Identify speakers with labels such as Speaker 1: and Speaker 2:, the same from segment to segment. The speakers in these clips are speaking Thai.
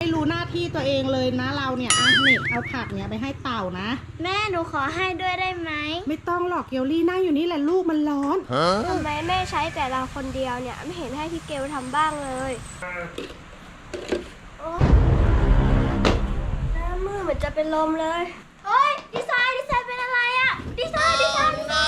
Speaker 1: ไม่รู้หน้าที่ตัวเองเลยนะเราเนี่ยนี่เอาผักเนี่ยไปให้เต่านะ
Speaker 2: แม่หนูขอให้ด้วยได้ไหม
Speaker 1: ไม่ต้องหรอกเกลลี่นั่งอยู่นี่แหละลูกมันร้อน
Speaker 2: ทำไมแม่ใช้แต่เราคนเดียวเนี่ยไม่เห็นให้พี่เกลทำบ้างเลยหน้ามือเหมือนจะเป็นลมเลยเฮ้ยดีไซน์เป็นอะไรอะดีไซน์แม่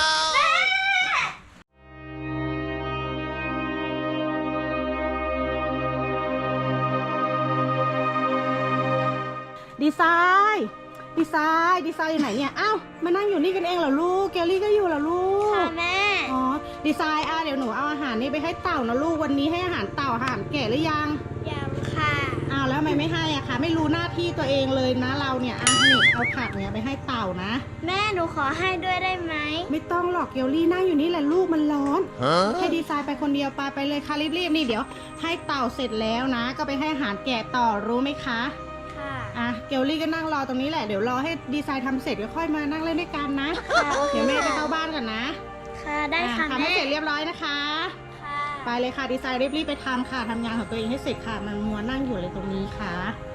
Speaker 1: ดีไซน์อยู่ไหนเนี่ยอ้าวมานั่งอยู่นี่กันเองเหรอลูกเกลลี่ก็อยู่เหรอลูก
Speaker 2: ค่ะแม่
Speaker 1: อ๋อดีไซน์เดี๋ยวหนูเอาอาหารนี่ไปให้เต่านะลูกวันนี้ให้อาหารเต่าอาหารแก่หรือยัง
Speaker 2: ค่ะ
Speaker 1: อ้าวแล้วทำไมไม่ให้อะคะไม่รู้หน้าที่ตัวเองเลยนะเราเนี่ยนี่เอาผักเนี่ยไปให้เต่านะ
Speaker 2: แม่หนูขอให้ด้วยได้ไหม
Speaker 1: ไม่ต้องหรอกเกลลี่นั่งอยู่นี่แหละลูกมันร้อนให้ดีไซน์ไปคนเดียวไปเลยค่ะรีบๆนี่เดี๋ยวให้เต่าเสร็จแล้วนะก็ไปให้อาหารแก่ต่อรู้ไหมคะเกลลี่ก็นั่งรอตรงนี้แหละเดี๋ยวรอให้ดีไซน์ทำเสร็จก็ค่อยมานั่งเล่นด้วยกันนะเดี๋ยวแม่จะเข้าบ้านก่อนนะ
Speaker 2: ค่ะได้ค่ะ
Speaker 1: ทำให้เสร็จเรียบร้อยนะคะไปเลยค่ะดีไซน์รีบๆไปทำค่ะทำงานของตัวเองให้เสร็จค่ะมันมัวนั่งอยู่เลยตรงนี้ค่ะ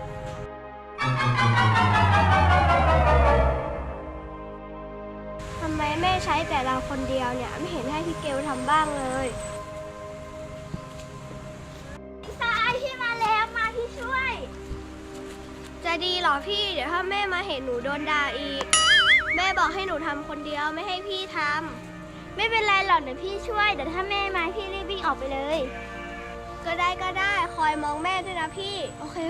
Speaker 2: ทำไมแม่ใช้แต่เราคนเดียวเนี่ยไม่เห็นให้พี่เกลทำบ้างเลยดีไซน์พี่มาแล้วมาพี่ช่วยจะดีเหรอพี่เดี๋ยวถ้าแม่มาเห็นหนูโดนด่าอีกแม่บอกให้หนูทำคนเดียวไม่ให้พี่ทำไม่เป็นไรหรอกเดี๋ยวพี่ช่วยเดี๋ยวถ้าแม่มาพี่รีบวิ่งออกไปเลยก็ได้คอยมองแม่ด้วยนะพี่โอเค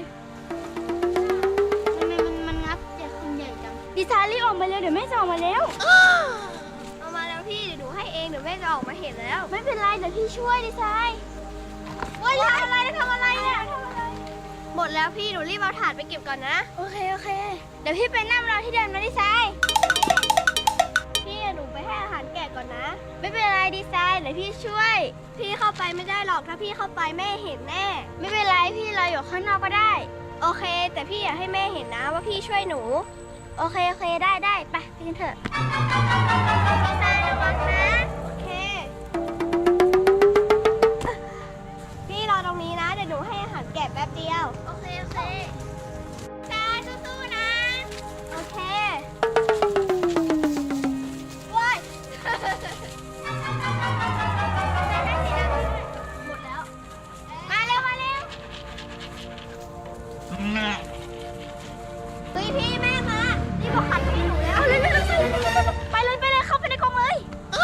Speaker 2: ทำไมมันงับเจ็บคนใหญ่จังดีไซน์รีบออกมาเร็วเดี๋ยวแม่จะออกมาแล้วเอามาแล้วพี่เดี๋ยวหนูให้เองเดี๋ยวแม่จะออกมาเห็นแล้วไม่เป็นไรเดี๋ยวพี่ช่วยดีไซน์ว่าทำอะไรเนี่ยหมดแล้วพี่หนูรีบเอาถาดไปเก็บก่อนนะโอเคเดี๋ยวพี่ไปนั่งรอที่เดินมาดีไซน์พี่หนูไปให้อาหารแกะก่อนนะไม่เป็นไรดีไซน์เดี๋ยวพี่ช่วยพี่เข้าไปไม่ได้หรอกถ้าพี่เข้าไปแม่เห็นแน่ไม่เป็นไรพี่รออยู่ข้างนอกก็ได้โอเคแต่พี่อยากให้แม่เห็นนะว่าพี่ช่วยหนูโอเคได้ไปกันเถอะดีไซน์ระวังนะโอเคพี่รอตรงนี้นะเดี๋ยวหนูให้อาหารแกะแป๊บเดียวโอเคชาสู้ๆนะโอเคว้ายหมดแล้วมาเร็วเฮ้ยพี่แม่มานี่บอกขัดให้หนูแล้วเร็วไปเลยเข้าไปในกรงเลย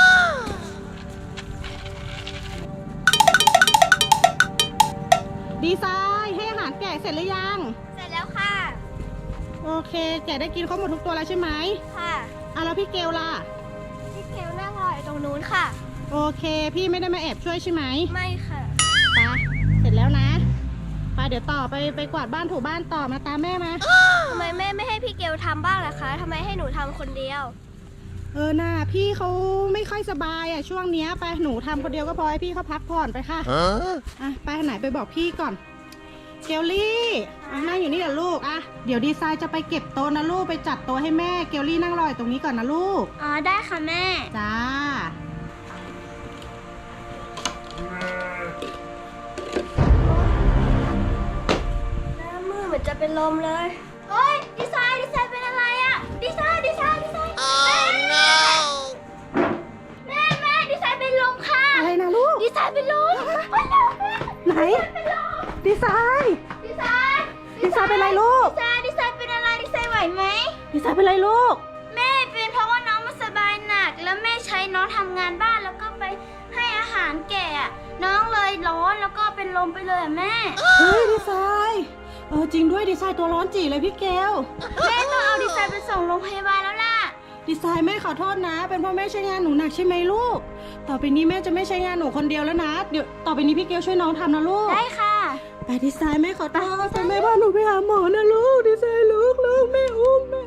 Speaker 1: ดีไซน์ให้อาหารแกะเสร็จหรือยัง
Speaker 2: เสร็จแล้วค่ะ
Speaker 1: โอเคแกะได้กินครบหมดทุกตัวแล้วใช่ไหม
Speaker 2: ค่ะ
Speaker 1: แล้วพี่เกลล่ะ
Speaker 2: พี่เกลนั่งรออยู่ตรงนู้นค่ะ
Speaker 1: โอเคพี่ไม่ได้มาแอบช่วยใช่ไหม
Speaker 2: ไม่ค่ะ
Speaker 1: ไปเสร็จแล้วนะไปเดี๋ยวต่อไปกวาดบ้านถูบ้านต่อมาตามแม่มา
Speaker 2: ทำไมแม่ไม่ให้พี่เกลทำบ้างล่ะคะทำไมให้หนูทำคนเดียว
Speaker 1: น่าพี่เขาไม่ค่อยสบายช่วงนี้ไปหนูทำคนเดียวก็พอให้พี่เขาพักผ่อนไปค่ะไปไหนไปบอกพี่ก่อนเกลลี่นั่งอยู่นี่แหละลูกเดี๋ยวดีไซน์จะไปเก็บโต๊ะนะลูกไปจัดโต๊ะให้แม่เกลลี่นั่งรออยู่ตรงนี้ก่อนนะลูก
Speaker 2: ได้ค่ะแม่
Speaker 1: จ้า
Speaker 2: หน้ามือเหมือนจะเป็นลมเลยเฮ้ยดีไซน์เป็นอะไรอะดีไซน์แม่ดีไซน์เป็นลมค่ะ
Speaker 1: อะไรนะลูก
Speaker 2: ดีไซน์เป็นลม
Speaker 1: ไหนดีไซน์เป็นอะไรลูก
Speaker 2: ดีไซน์เป็นอะไรดีไซน์ไหวไหม
Speaker 1: ดีไซน์เป็นอะไรลูก
Speaker 2: แม่เป็นเพราะว่าน้องไม่สบายหนักแล้วแม่ใช้น้องทำงานบ้านแล้วก็ไปให้อาหารแก่น้องเลยร้อนแล้วก็เป็นลมไปเลยแม่
Speaker 1: เฮ้ยดีไซน์จริงด้วยดีไซน์ตัวร้อนจีเลยพี่เกล
Speaker 2: แม่ต้องเอาดีไซน์ไปส่งโรงพยาบาลแล้วล่ะ
Speaker 1: ดีไซน์แม่ขอโทษนะเป็นเพราะแม่ใช้งานหนูหนักใช่ไหมลูกต่อไปนี้แม่จะไม่ใช้งานหนูคนเดียวแล้วนะเดี๋ยวต่อไปนี้พี่เกลช่วยน้องทำนะลูก
Speaker 2: ได้ค่ะ
Speaker 1: ไปดีไซน์แม่ขอโทษแม่พาหนูไปหาหมอนะลูกดีไซน์ลูกแม่อุ้ม